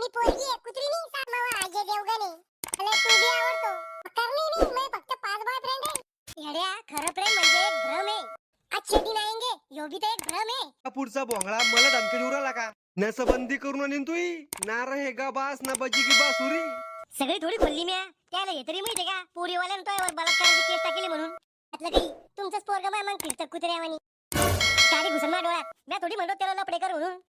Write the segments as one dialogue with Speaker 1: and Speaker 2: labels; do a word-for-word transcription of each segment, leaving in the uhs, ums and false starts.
Speaker 1: पोरगी आहे कुत्री नाही सामावा अजय देवगण आहे. मला तू बी आवडतो. करणी नाही मैं फक्त पाच बॉयफ्रेंड आहे. येड्या खरं प्रेम म्हणजे एक भ्रम आहे. अच्छे दिन आएंगे यो भी तो एक भ्रम आहे.
Speaker 2: हा पुढचा भोंगळा मला धमकी देऊ राहिला का? नसबंदी करून आणीन तुई ना रहेगा बास ना बजी की बासुरी.
Speaker 1: सगळी थोडी खोलली म्या त्याला हे तरी माहिती का पोरीवाल्यानं तोयावर बलात्काराची केस टाकली म्हणून. त्यातलं काही तुमचंच पोरगं माय मग फिरतं कुत्र्यावानी. गाडी घुसून माझ्या डोळ्यात म्या थोडी म्हणतो त्याला लपडे कर म्हणून.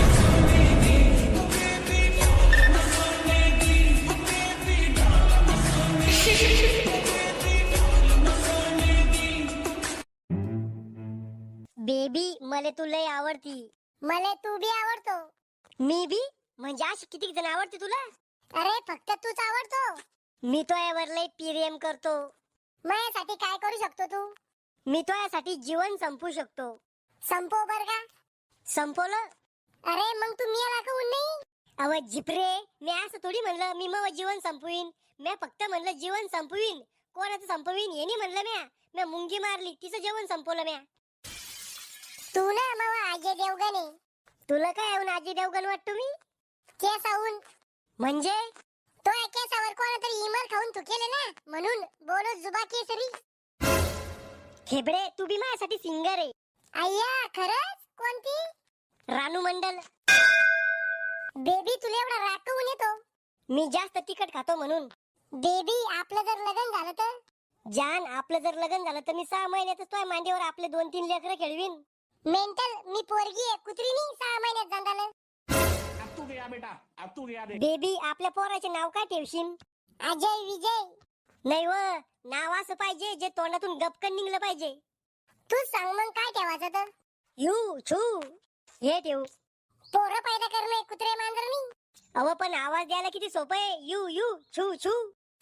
Speaker 1: बेबी मला तू लय आवडती. मला तू बी आवडतो. मी बी म्हणजे अशी किती जण आवडते तुला? अरे फक्त तूच आवडतो. मी तो यावर लय प्रेम करतो. माझ्यासाठी काय करू शकतो तू? मी तो यासाठी जीवन संपू शकतो. संपव बर का? संपवलं? अरे मग तू मी लागून नाही. अव जिपरे मी असं थोडी म्हणलं मी मग जीवन संपवीन. मी फक्त म्हणलं जीवन संपवीन. कोणाचं संपवीन हे नाही म्हणलं म्या. म्या मुंगी मारली तिचं जीवन संपवलं म्या. तू ना मावा अजय देवगण आहे. तुला काय येऊन अजय देवगण वाटतो मी? केस आऊन म्हणजे तो केसावर कोणातरी इमल खाऊन थुकेले ना म्हणून बोलो जुबा केसरी. खेबडे तू बी माझ्यासाठी सिंगर आहे. अय्या खरंच? कोणती? रानू मंडल. बेबी तुला एवढा राखून येतो? मी जास्त तिखट खातो म्हणून. बेबी आपलं जर लग्न झालं तर? जान आपलं जर लग्न झालं तर मी सहा महिन्यातच तुझ्या मांडीवर आपले दोन तीन लेकरं खेळवीन. मेंटल मी पोरगी आहे कुत्री नाही सहा महिन्यात झालं.
Speaker 3: तू गया बेटा अब तू गया दे.
Speaker 1: बेबी आपल्या पोराचे नाव काय ठेवशील? अजय विजय. नाही व नाव असं पाहिजे जे तोंडातून गपकन निघलं पाहिजे. तू सांग मग काय ठेवायचं तर? यू छू हे ठेवू. पोरं पैदा करणं कुत्रे मांजरणी. अव पण आवाज द्यायला किती सोपं आहे. यू यू छू छू.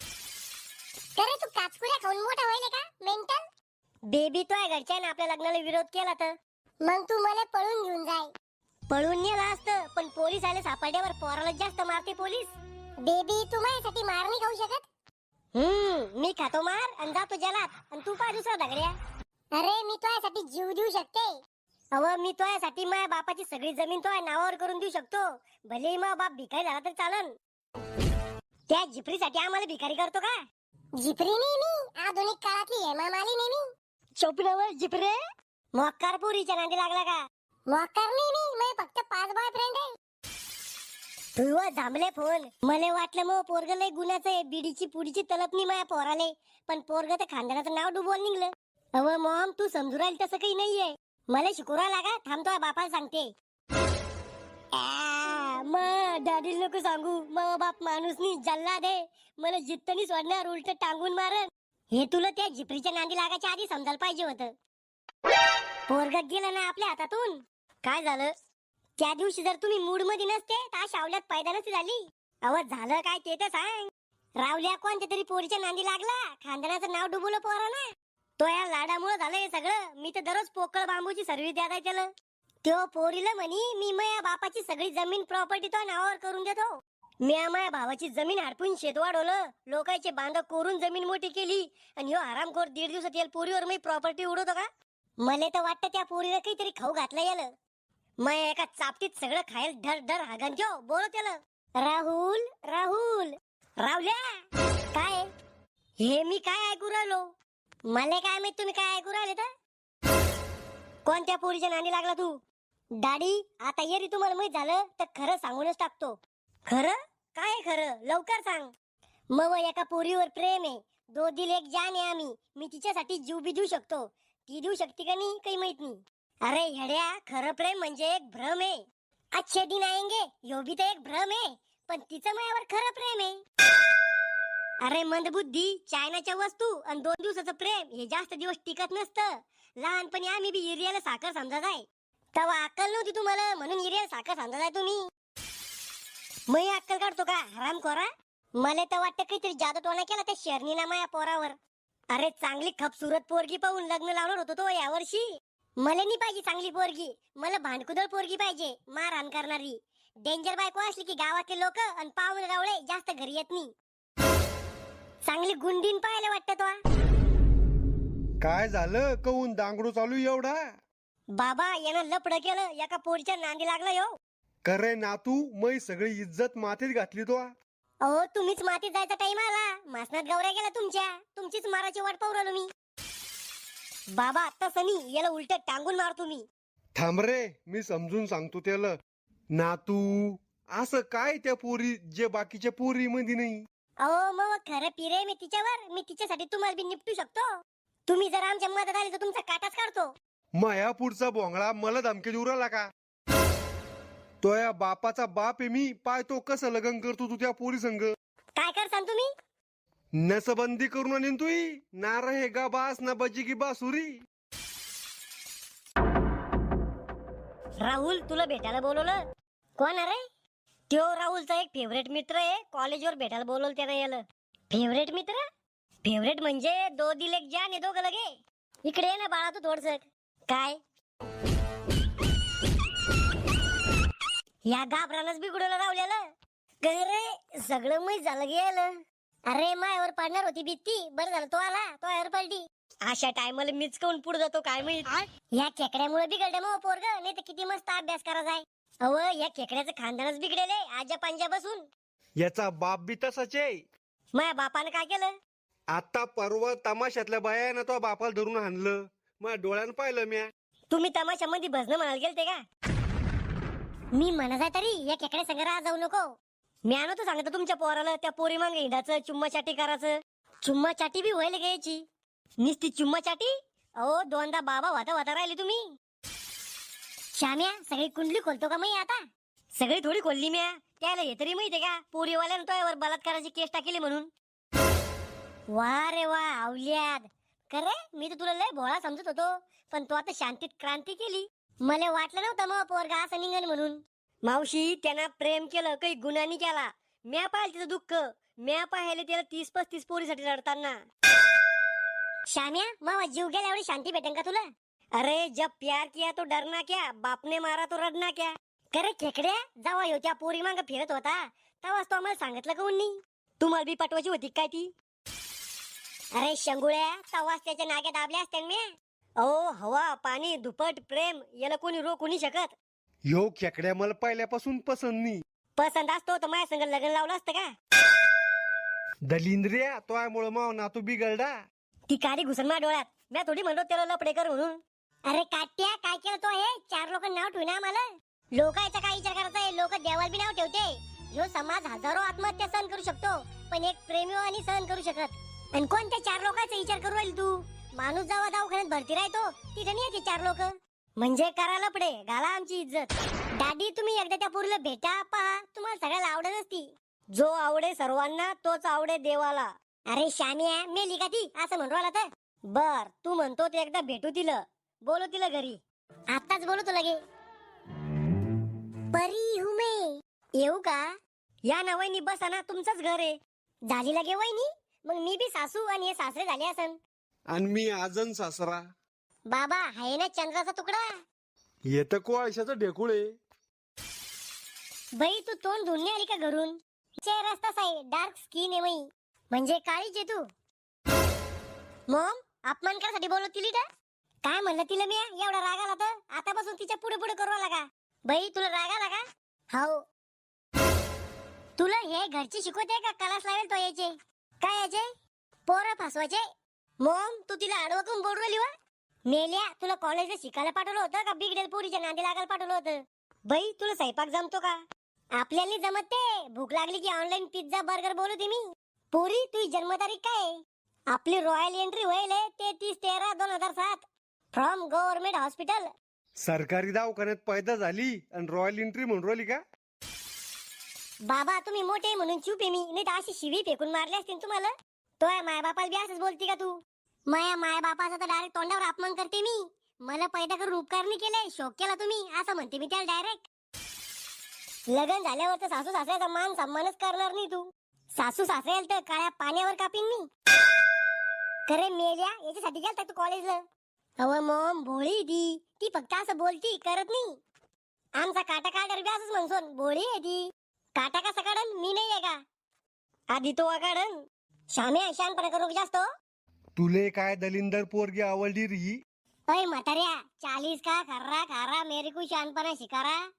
Speaker 1: अरे तू काचकुऱ्या खाऊन मोठा व्हायला का मेंटल? बेबी तो घरच्यानं आपल्या लग्नाला विरोध केला तर मग तू मला पळून घेऊन जाय. पळून नेला असतं पण पोलीस आले सापडल्यावर पोराला जास्त मारते पोलीस. बेबी तू माझ्यासाठी मार नाही खाऊ शकत? हम्म मी खातो मार आणि जातो जलात आणि तू पाय दुसरा धगड्या. अरे मी तुझ्यासाठी जीव देऊ शकते. अव मी तुझ्यासाठी माझ्या बापाची सगळी जमीन तुझ्या नावावर करून देऊ शकतो. भले मग बाप भिकारी झाला तर चालन. त्या जिपरीसाठी आम्हाला भिकारी करतो का? जिपरी नाही मी आधुनिक काळातली हेमा मालिनी मी. चोपडावर जिपरे मोक्कार पोरीच्या नांदी लागला का? मोक्कार नाही मी मी फक्त पाच बॉयफ्रेंड आहे. तू जांभले फोन मला वाटलं मग पोरग लय गुन्ह्याचं आहे. बिडीची पुडीची तलपणी माया पोराले पण पोरग तर खानदानाचं नाव डुबवून निघलं. अव मॉम तू समजू राहील तसं काही नाहीये. मला शिकवरा लागा थांबतो बापाला सांगते. मग डॅडी नको सांगू मग बाप माणूस नी जल्ला दे मला जित्तनी सोडणार उलट टांगून मारन. हे तुला त्या जिपरीच्या नांदी लागायच्या आधी समजायला पाहिजे होतं. पोरग गेलं ना आपल्या हातातून. काय झालं? त्या दिवशी जर तुम्ही मूड मध्ये नसते तर शावल्यात पैदा नसती झाली. अव झालं काय ते तर सांग. रावल्या कोणत्या तरी पोरीच्या नांदी लागला खानदानाचं नाव डुबवलं पोरानं. तो या लाडामुळे झालं हे सगळं. मी तर दररोज पोकळ बांबूची सर्व्हिस द्यायला त्याला. तो पोरीला म्हणी मी माझ्या बापाची सगळी जमीन प्रॉपर्टी तो नावावर करून देतो. मी माझ्या भावाची जमीन हडपून शेत वाढवलं. लोकांचे बांध कोरून जमीन मोठी केली आणि ह्यो हरामखोर दीड दिवसात येईल पोरीवर मी प्रॉपर्टी उडवतो का? मला तर वाटतं त्या पोरीला काहीतरी खाऊ घातलं याला. मग एका चापटीत सगळं खायला धर धर हागन त्यो बोल त्याला. राहुल राहुल रावल्या काय हे मी काय ऐकू राहिलो? मला काय माहित तुम्ही काय ऐकू राहिले तर? कोणत्या पोरीच्या नांदी लागला तू? डॅडी आता येरी तुम्हाला माहित झालं तर खरं सांगूनच टाकतो. खरं काय खरं लवकर सांग. मग एका पोरीवर प्रेम आहे. दो दिल एक जान आहे आम्ही. मी तिच्यासाठी जीव बी देऊ शकतो. ती देऊ शकते का नाही काही माहित नाही. अरे हेड्या खरं प्रेम म्हणजे एक भ्रम आहे. अच्छे दिन आएंगे यो भी तो एक भ्रम आहे पण तिचं माझ्यावर खरं प्रेम आहे. अरे मंदबुद्धी चायनाच्या वस्तू आणि दोन दिवसाचं प्रेम हे जास्त दिवस टिकत नसतं. लहानपणी आम्ही बी युरियाला साखर समजत आहे. तेव्हा अक्कल नव्हती तुम्हाला म्हणून युरियाला साखर समजत आहे तुम्ही. मी अक्कल काढतो का हराम खोरा? मला तर वाटतं काहीतरी जादू टोना केला त्या शर्नीना माया पोरावर. अरे चांगली खपसुरत पोरगी पाहून लग्न लावणार होतो तो यावर्षी. मला नाही पाहिजे चांगली पोरगी. मला भांडकुदळ पोरगी पाहिजे मारहाण करणारी. डेंजर बायको असली की गावातले लोक आणि पाहुणे रावळे जास्त घरी येत नाही. चांगली गुंडीन पाहायला वाटतं तो.
Speaker 2: काय झालं कहून दांगडू चालू एवढा?
Speaker 1: बाबा यानं लपड केलं एका पोरीच्या नांदी लागला यो.
Speaker 2: करे नातू मै सगळी इज्जत मातीत घातली तो.
Speaker 1: अहो तुम्हीच मातीत जायचा टाइम आला. मासनात गवऱ्या गेला तुमच्या. तुमचीच माराची वाट पाहू राहिलो मी. बाबा आता सनी याला उलट टांगून मारतो मी.
Speaker 2: थांब रे, मी समजून सांगतो त्याला. नातू असं काय त्या पोरी जे बाकीच्या पोरी मध्ये नाही.
Speaker 1: अहो मग खरं पिरे मी तिच्यावर. मी तिच्यासाठी तुम्हाला बी निपटू शकतो. तुम्ही जर आमच्या मदत आली तर तुमचा काटाच काढतो.
Speaker 2: माया पुढचा बोंगळा मला धमकी देऊ राहिला का? तो या बापाचा बाप आहे मी. पाय तो कसं लग्न करतो तू त्या पोरी संग.
Speaker 1: काय करसान तुम्ही?
Speaker 2: नसबंदी करून आणीन तुई. ना रहे गा बास ना बजी की बासुरी.
Speaker 1: राहुल तुला भेटायला बोलवलं. कोण आहे रे? त्यो राहुलचा एक फेवरेट मित्र आहे. कॉलेजवर भेटायला बोलवलं त्यानं याला. फेवरेट मित्र? फेवरेट म्हणजे दो दिल एक जान आहे दोघं लगे. इकडे ये ना बाळा तू थोडस. काय या घाबरानच बिघडवलं राहुल्याला. रे सगळं मै झालं गेलं. अरे मायावर पडणार होती भीती. बरं झालं तो आला. तो यावर पडली. अशा टायमाला मीच काऊन पुढे जातो काय माहित. या खेकड्यामुळे बिघडलं मग पोरग. नाही तर किती मस्त अभ्यास करायचा आहे. अव या खेकड्याचं खानदानच बिघडेले आजा पंजा बसून.
Speaker 2: याचा बाप बी तसाच आहे.
Speaker 1: माझ्या बापानं काय केलं?
Speaker 2: आता परवा तमाशातल्या बायानं तो बापाला धरून हाणलं. माझ्या डोळ्यानं पाहिलं म्या.
Speaker 1: तुम्ही तमाशामध्ये भजन म्हणायला गेलते का? मी म्हणत आहे तरी या खेकड्या संग राह जाऊ नको. मी आणतो सांगतो तुमच्या पोराला त्या पोरी मागे हिंडाचं चुम्मा चाटी करायचं. चुम्मा चाटी बी व्हायला घ्यायची. निस्ती चुम्मा चाटी. अहो दोनदा बाबा होता होता राहिली तुम्ही. श्याम्या सगळी कुंडली खोलतो का मी आता? सगळी थोडी खोलली म्या. त्याला हे तरी माहितीये का पोरीवाल्यानं तो यावर बलात्काराची केस टाकली म्हणून. वा रे वा आवल्याद. खरे मी तर तुला लय भोळा समजत होतो. पण तू आता शांतीत क्रांती केली. मला वाटलं नव्हतं मग पोरगा असं निघन म्हणून. मावशी त्यांना प्रेम केलं काही गुन्हानी केला. म्या पाहिलं तिचं दुःख. म्या पाहिले त्याला तीस पस्तीस पोरीसाठी रडताना. श्याम्या मावा जीव गेला एवढी शांती भेटेन का तुला? अरे जब प्यार किया तो डरना क्या, बापने मारा तो रडना क्या. करे खेकड्या जेव्हा ह्यो त्या पोरी मांग फिरत होता तेव्हाच तो आम्हाला सांगितलं का उन्नी? तुम्हाला बी पटवायची होती काय ती? अरे शंगुळ्या तेव्हाच त्याच्या नाग्या दाबल्या असत्या मी. अहो हवा पाणी दुपट प्रेम याला कोणी रोखू नाही शकत.
Speaker 2: ह्यो खेकड्या मला पहिल्यापासून पसंत नाही.
Speaker 1: पसंत असतो तर माझ्या संग लग्न लावलं असतं का?
Speaker 2: दलिंद्रिया तो आहे मुळे माव नातू बिघडला.
Speaker 1: ती काडी घुसन माझ्या डोळ्यात. मी थोडी म्हणतो त्याला लपडे कर म्हणून. अरे काट्या काय केलं तो हे? चार लोक नाव ठेवून आम्हाला. लोकांचा काय विचार करायचा? लोक देवाला बी नाव ठेवते. ह्यो समाज हजारो आत्महत्या सहन करू शकतो पण एक प्रेमी आणि सहन करू शकत. आणि कोणत्या चार लोकांचा विचार करू राहील तू? माणूस जेव्हा दवाखान्यात भरती राहतो तिथे नाही येते चार लोक. म्हणजे करा लपडे घाला आमची इज्जत. दादी तुम्ही एकदा त्या पोरीला भेटा पहा. तुम्हाला सगळ्याला आवडत असती. जो आवडे सर्वांना तोच आवडे देवाला. अरे शामिया मेली का ती असं म्हणू राहिला तर? बर तू म्हणतो ते एकदा भेटू तिला. बोलो तिला घरी. आताच बोलू तुला गे. परी हूं मैं. येऊ का? या ना वहिनी बसा ना तुमचंच घर आहे. झाली लगे वहिनी. मग मी बी सासू आणि हे सासरे झाले असन.
Speaker 2: आणि मी आजन सासरा.
Speaker 1: बाबा आहे ना चंद्राचा तुकडा.
Speaker 2: येत कोळशाचं ढेकुळ आहे.
Speaker 1: बाई तू तोंड धुवून आली का घरून? चेहरा तसा आहे डार्क स्किन आहे मई. म्हणजे काळीच आहे तू. मॉम अपमान करासाठी बोलत तिली का? काय म्हणलं तिला मी? एवढा राग आला तर आतापासून तिच्या पुढे पुढे करू लागा. बाई तुला राग आला का? हाव. तुला हे घरची शिकवते का क्लास लावेल तो याचे? काय याचे? पोरं फसवायचे. मॉम तू तिला आडवं करून बोलू राहिली वा? मेल्या तुला कॉलेजला शिकायला पाठवलं होतं का बिगडेल पोरीच्या नांदी लागायला पाठवलं होतं? बाई तुला स्वयंपाक जमतो का? आपल्याला जमत ते. भूक लागली की ऑनलाईन पिझ्झा बर्गर बोलू मी. पोरी तुझी जन्मतारीख काय? आपली रॉयल एंट्री होईल तेहतीस तेरा दोन हजार सात फ्रॉम गव्हर्नमेंट हॉस्पिटल.
Speaker 2: सरकारी दवाखान्यात पैदा झाली आणि रॉयल एंट्री म्हणून राहिली का?
Speaker 1: बाबा तुम्ही मोठे म्हणून चूप आहे मी. नाही तर अशी शिवी फेकून मारली असतील तुम्हाला. तो माया बापाला बी असंच बोलती का तू? माया माया बापाचा तर डायरेक्ट तोंडावर अपमान करते मी. मला पैदा करून उपकार नाही केले शोक केला तुम्ही असं म्हणते मी त्याला डायरेक्ट. लग्न झाल्यावर तर सासू सासऱ्याचा मान सन्मानच करणार नाही तू. सासू सासऱ्याला तर काळ्या पाण्यावर कापीन मी. खरे मेल्या याच्यासाठी गेलता तू कॉलेजला? अव मॉम भोळी ती. ती फक्त असं बोलती करत नाही. आमचा काटा काढर बी असंच म्हणसोन भोळी आहे ती. काटा कसा काढन? मी नाही आहे का? आधी तो काढन. शाम्या शानपणा करू जास्त.
Speaker 2: तुले काय दलिंदर पोरगी आवडली री?
Speaker 1: अय म्हाताऱ्या चालीस का खर्रा खारा मेरे को शानपणा शिकारा.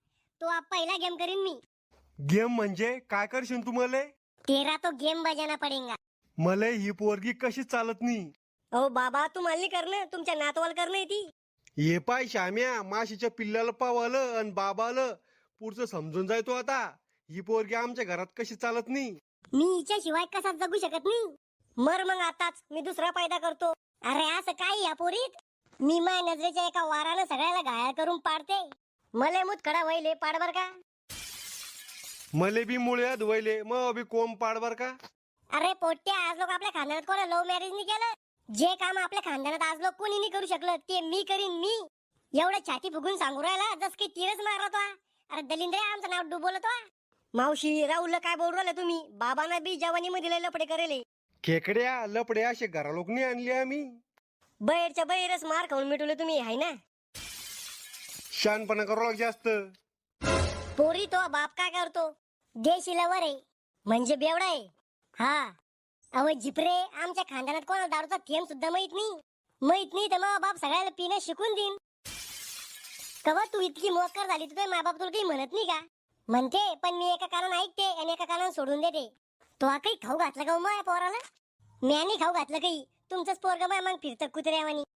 Speaker 1: तो आप पहिला गेम करीन मी.
Speaker 2: गेम म्हणजे काय करशील तू मले?
Speaker 1: तेरा तो गेम बजाना पडेगा.
Speaker 2: मले ही पोरगी कशी चालत नाही.
Speaker 1: ओ बाबा तुम्हाला नाही करणं, तुमच्या नातवाला करणं ती.
Speaker 2: हे पाय श्याम्या, माशीच्या पिल्ल्याला पावालं आणि बाबालं पुढचं समजून जाय तो आता. ही पोरगी आमच्या घरात कशी चालत नाही.
Speaker 1: मी हिच्याशिवाय कसा जगू शकत नाही. मर मग आताच, मी दुसरा पैदा करतो. अरे असं काय या पोरीत? मी माय नजरेच्या एका वारानं सगळ्याला घायल करून पाडते. मले मुतखडा वहिले पाड बर का.
Speaker 2: मले बी मुळे धुवायले मग बी कोंब पाड बर का.
Speaker 1: अरे पोट्या, आज लोक आपल्या खानदानात कोणा लव्ह मॅरेज नाही केलं. जे काम आपल्या खानदानात आज लोक कोणी नाही करू शकलं ते मी करीन मी. एवढं छाती फुगून सांगू राहिला जस की तीरच मारत वा. अरे दलिंद्रे आमचं नाव डुबवलं वा. मावशी राहुलला काय बोलू राहिला तुम्ही? बाबांना बी जवानी मध्ये लपडे करेले.
Speaker 2: खेकड्या लपडे असे घरा लोक नाही आणले आम्ही.
Speaker 1: बैरच्या बैरच मार खाऊन मिटवले तुम्ही हाय ना.
Speaker 2: शानपणा करू लाग जास्त.
Speaker 1: पोरी तो बाप काय करतो? देशीला वर आहे म्हणजे बेवडा आहे. हा अव जिपरे, आमच्या खानदानात कोणाला दारूचा थेंब सुद्धा माहित नाही. माहित नाही तर मग बाप सगळ्याला पिणं शिकून देईन. कवा तू इतकी मोकर झाली तर मा बाप तुला काही म्हणत नाही का? म्हणते, पण मी एका कानानं ऐकते आणि एका कानानं सोडून देते. तो हा काही खाऊ घातला का मग पोराला? म्याने खाऊ घातलं काही. तुमचंच पोरग माय मग फिरतं कुत्र्यावानी.